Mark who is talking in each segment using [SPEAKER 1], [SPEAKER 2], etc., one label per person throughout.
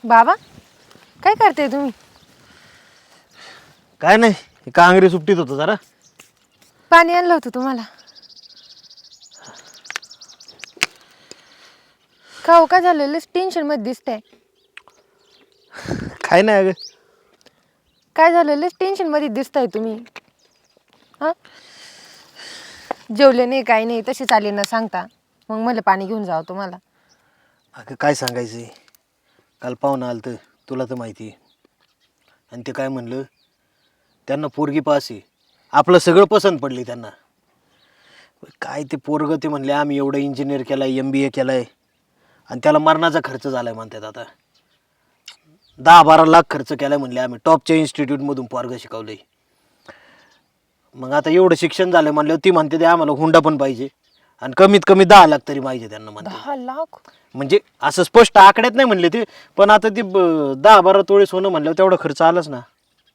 [SPEAKER 1] बाबा काय करते तुम्ही?
[SPEAKER 2] काय नाही, कांगरी सुट्टीत होतो जरा.
[SPEAKER 1] पाणी आणलं होतं तुम्हाला. का हो, काय झालेलं? टेन्शन मध्ये दिसतंय.
[SPEAKER 2] काय नाही अगं.
[SPEAKER 1] काय झालेलं? टेन्शन मध्ये दिसताय तुम्ही. हा, जेवले नाही, काही नाही, तसे चाले ना सांगता. मग मला पाणी घेऊन जावं तुम्हाला.
[SPEAKER 2] अगं काय सांगायचं, काल पाहुणं आलं तर तुला तर माहिती आहे. आणि ते काय म्हणलं, त्यांना पोरगी पास आहे, आपलं सगळं पसंत पडली त्यांना. काय ते पोरगं ते म्हणले आम्ही एवढं इंजिनियर केलाय, MBA केलाय, आणि त्याला मरणाचा खर्च झालाय म्हणतात. आता 10-12 लाख खर्च केलाय म्हणले, आम्ही टॉपच्या इन्स्टिट्यूटमधून पोरगं शिकवलंय. मग आता एवढं शिक्षण झालं म्हणल्यावर ती म्हणते ते आम्हाला हुंडा पण पाहिजे, आणि कमीत कमी 10 लाख तरी पाहिजे त्यांना म्हणते.
[SPEAKER 1] 10 लाख?
[SPEAKER 2] म्हणजे असं स्पष्ट आकड्यात नाही म्हणले ते, पण आता ती 10-12 तोळे सोनं म्हणल्यावर तेवढा खर्च आलाच ना.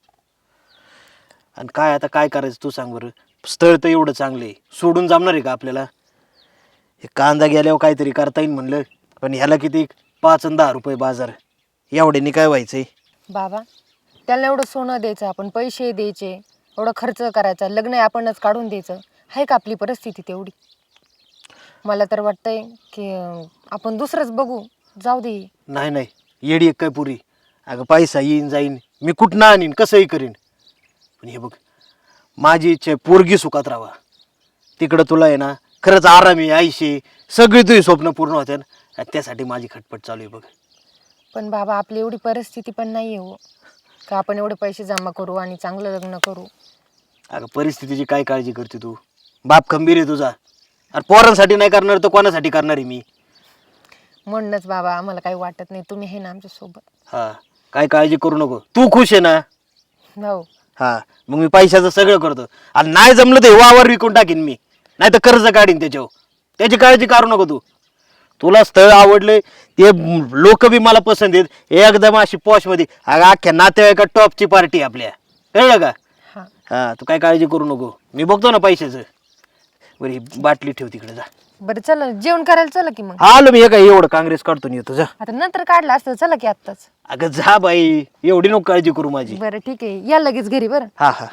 [SPEAKER 2] आणि काय आता काय करायचं तू सांग बरं. स्थळ तर एवढं चांगलं आहे, सोडून जमणार आहे का आपल्याला? हे कांदा गेल्यावर काहीतरी करता येईल म्हणलं, पण ह्याला किती 5 आणि 10 रुपये बाजार, एवढ्यानी काय व्हायचंय?
[SPEAKER 1] बाबा, त्याला एवढं सोनं द्यायचं, आपण पैसे द्यायचे, एवढा खर्च करायचा, लग्न आपणच काढून द्यायचं. आहे का आपली परिस्थिती तेवढी? मला तर वाटतंय की आपण दुसरंच बघू, जाऊ दे.
[SPEAKER 2] नाही नाही, येडी एक काय पुरी. अगं पैसा येईन जाईन, मी कुठं आणीन, कसंही करीन, पण हे बघ, माझी इच्छा आहे पोरगी सुखात राहावा. तिकडं तुला आहे ना खरंच आरामी आईशी सगळी तुझी स्वप्न पूर्ण होते ना, त्यासाठी माझी खटपट चालू आहे बघ.
[SPEAKER 1] पण बाबा, आपली एवढी परिस्थिती पण नाही आहे हो, का आपण एवढे पैसे जमा करू आणि चांगलं लग्न करू.
[SPEAKER 2] अगं परिस्थितीची काय काळजी करते तू? बाप खंबीर आहे तुझा. अरे पोरांसाठी नाही करणार तर कोणासाठी करणार आहे मी?
[SPEAKER 1] म्हणूनच बाबा, आम्हाला काही वाटत नाही, तुम्ही आहे ना आमच्या सोबत.
[SPEAKER 2] हा, काय काळजी करू नको, तू खुश आहे ना?
[SPEAKER 1] हो.
[SPEAKER 2] हा, मग मी पैशाचं सगळं करतो, आणि नाही जमलं तर वावर विकून टाकीन मी, नाही तर कर्ज काढीन त्याच्यावर. त्याची काळजी करू नको तू. तुला स्थळ आवडलंय, ते लोक बी मला पसंत आहेत, एकदम अशी पॉशमध्ये. अगं अख्ख्या नातेवाईका टॉपची पार्टी आपल्या, कळलं का?
[SPEAKER 1] हां,
[SPEAKER 2] हा, तू काय काळजी करू नको, मी बघतो ना पैशाचं. बरं ही बाटली ठेव तिकडे, जा.
[SPEAKER 1] बरं चला, जेवण करायला चला की. मग
[SPEAKER 2] आलो मी, हे काय एवढं काँग्रेस काढतो येतो, जा.
[SPEAKER 1] आता नंतर काढलं असतं, चला की आत्ताच.
[SPEAKER 2] अगं जा बाई, एवढी नको काळजी करू माझी.
[SPEAKER 1] बरं ठीक आहे, या लगेच घरी. बरं.
[SPEAKER 2] हा हा.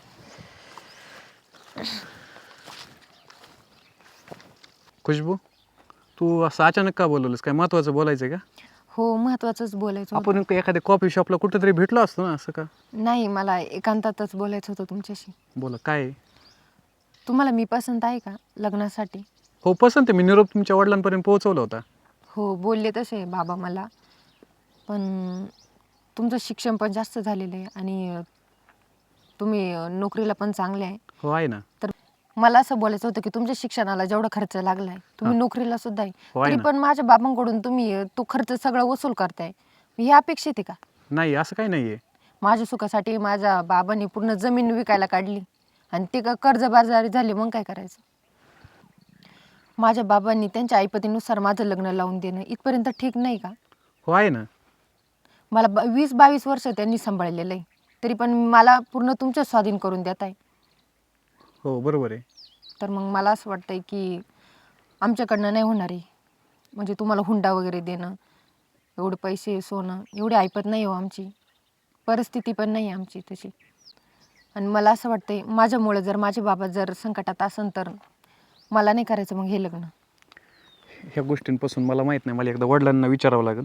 [SPEAKER 3] खुशबू, तू असं अचानक का बोलवलंस? काय महत्वाचं बोलायचं आहे का?
[SPEAKER 1] हो, महत्वाचंच बोलायचं होतं.
[SPEAKER 3] आपण एखाद्या कॉफी शॉपला कुठेतरी भेटलो असतो ना, असं का?
[SPEAKER 1] नाही, मला एकांतातच बोलायचं होतं तुमच्याशी.
[SPEAKER 3] बोला, काय आहे?
[SPEAKER 1] तुम्हाला मी पसंत आहे का लग्नासाठी?
[SPEAKER 3] हो, पसंत आहे. मी निरोप तुमच्या वडिलांपर्यंत पोहोचवला होता.
[SPEAKER 1] हो, बोलले तसे बाबा मला. पण तुमचं शिक्षण पण जास्त झालेलं आहे आणि तुम्ही नोकरीला पण चांगले आहे.
[SPEAKER 3] हो, आहे ना.
[SPEAKER 1] तर मला असं बोलायचं होतं की तुमच्या शिक्षणाला जेवढा खर्च लागलाय, तुम्ही नोकरीला सुद्धा आहे,
[SPEAKER 3] हो, आहे
[SPEAKER 1] तरी
[SPEAKER 3] ना.
[SPEAKER 1] पण माझ्या बाबांकडून तुम्ही तो खर्च सगळा वसूल करताय. हे अपेक्षित आहे का?
[SPEAKER 3] नाही, असं काही नाही आहे.
[SPEAKER 1] माझ्या सुखासाठी माझ्या बाबांनी पूर्ण जमीन विकायला काढली आणि ते का कर्जबाजारी झाले, मग काय करायचं? माझ्या बाबांनी त्यांच्या ऐपतीनुसार माझं लग्न लावून देणं इथपर्यंत ठीक नाही का?
[SPEAKER 3] हो, आहे ना.
[SPEAKER 1] मला 20-22 वर्ष त्यांनी सांभाळलेलं आहे, तरी पण मला पूर्ण तुमच्या स्वाधीन करून देत आहे.
[SPEAKER 3] हो, बरोबर आहे.
[SPEAKER 1] तर मग मला असं वाटतंय की आमच्याकडनं नाही होणार आहे. म्हणजे तुम्हाला हुंडा वगैरे देणं, एवढे पैसे सोनं एवढी ऐपत नाही हो आमची, परिस्थिती पण नाही आमची तशी. आणि मला असं वाटतंय माझ्यामुळे जर माझे बाबा जर संकटात असन तर मला नाही करायचं मग हे लग्न.
[SPEAKER 3] ह्या गोष्टींपासून मला माहीत नाही, मला एकदा वडिलांना विचारावं लागेल.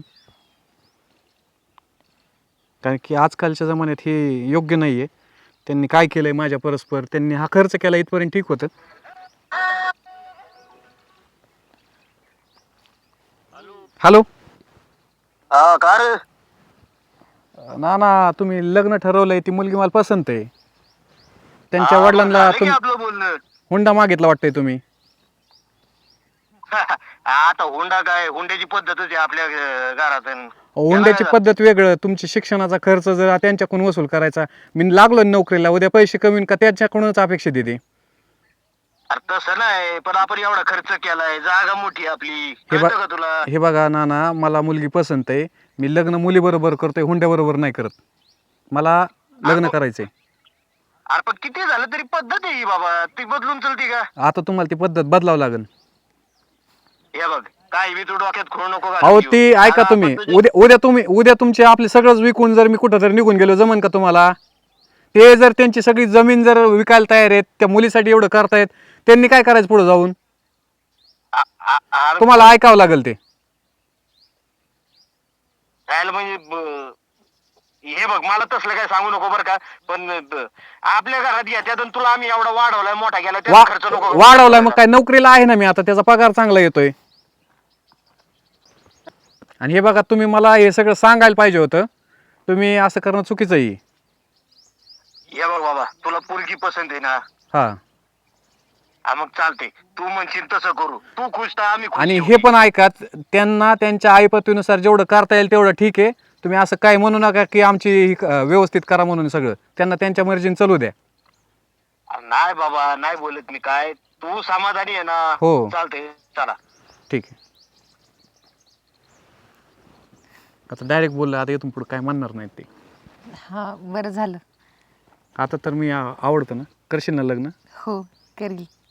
[SPEAKER 3] कारण की आजकालच्या जमान्यात हे योग्य नाही आहे. त्यांनी काय केलं आहे माझ्या परस्पर, त्यांनी हा खर्च केला इथपर्यंत ठीक होतं. हॅलो.
[SPEAKER 2] का रे?
[SPEAKER 3] ना तुम्ही लग्न ठरवलंय, ती मुलगी मला पसंत आहे. त्यांच्या वडिलांना
[SPEAKER 4] आपलं बोलणं
[SPEAKER 3] हुंडा मागितला वाटतंय तुम्ही.
[SPEAKER 4] आता हुंडा काय, हुंड्याची पद्धतच आहे आपल्या घरात.
[SPEAKER 3] हुंड्याची पद्धत वेगळं, तुमच्या शिक्षणाचा खर्च जर त्यांच्याकडून वसूल करायचा. मी लागलो नोकरीला, उद्या पैसे कमी का त्यांच्याकडूनच अपेक्षा देते.
[SPEAKER 4] अरे तसं नाही, पण आपण एवढा खर्च केलाय, जागा मोठी आपली,
[SPEAKER 3] हे
[SPEAKER 4] कळतं का तुला?
[SPEAKER 3] हे बघा नाना, मला मुलगी पसंत आहे. मी लग्न मुलीबरोबर करतोय, हुंड्याबरोबर नाही करत. मला लग्न करायचंय.
[SPEAKER 4] अरे पण किती झालं तरी पद्धत आहे ही बाबा, ती बदलून चलती का?
[SPEAKER 3] आता तुम्हाला ती पद्धत बदलावं लागेल.
[SPEAKER 4] हे बघ, काय बी तू डोक्यात खोड नको घालून
[SPEAKER 3] अहो
[SPEAKER 4] घेऊ.
[SPEAKER 3] ती ऐका
[SPEAKER 4] आता
[SPEAKER 3] तुम्ही,
[SPEAKER 4] आपण तुझे-
[SPEAKER 3] उद्या तुमचे आपले सगळंच विकून जर मी कुठं जर निघून गेलो जमन का तुम्हाला? ते जर त्यांची सगळी जमीन जर विकायला तयार आहेत, त्या मुलीसाठी एवढं करतायत, त्यांनी काय करायचं पुढे जाऊन?
[SPEAKER 4] अरे
[SPEAKER 3] तुम्हाला ऐकावं लागेल ते.
[SPEAKER 4] राहिलं म्हणजे हे बघ, मला तसलं काय सांगू नको बरं का, पण आपल्या घरात घेत्यात आणि तुला आम्ही एवढा वाढवलाय, मोठा केला, त्याचा खर्च नको करू.
[SPEAKER 3] वाढवलाय मग काय, नोकरीला आहे ना मी आता, त्याचा पगार चांगला येतोय. आणि हे बघा, तुम्ही मला हे सगळं सांगायला पाहिजे होतं. तुम्ही असं करणं चुकीचं आहे.
[SPEAKER 4] हे बघ बाबा, तुला पोरगी पसंत आहे ना?
[SPEAKER 3] हा.
[SPEAKER 4] हा, मग चालते, तू म्हणशील तसं करू. तू खुश तर आम्ही खुश.
[SPEAKER 3] आणि हे
[SPEAKER 4] शेवटी.
[SPEAKER 3] पण ऐका, त्यांना त्यांच्या आईपतीनुसार जेवढं करता येईल तेवढं ठीक आहे. तुम्ही असं काय म्हणू नका की आमची व्यवस्थित करा म्हणून. सगळं त्यांना त्यांच्या मर्जीने चालू द्या.
[SPEAKER 4] नाही बाबा, नाही बोलत मी काय, तू समाधानी आहे ना?
[SPEAKER 3] हो.
[SPEAKER 4] चालते, चला.
[SPEAKER 3] ठीक आहे. आता डायरेक्ट बोललं, आता इथून पुढे काय म्हणणार नाहीत ते.
[SPEAKER 1] हां बरं झालं.
[SPEAKER 3] आता तर मी आवडतं ना, करशील ना लग्न?
[SPEAKER 1] हो करील.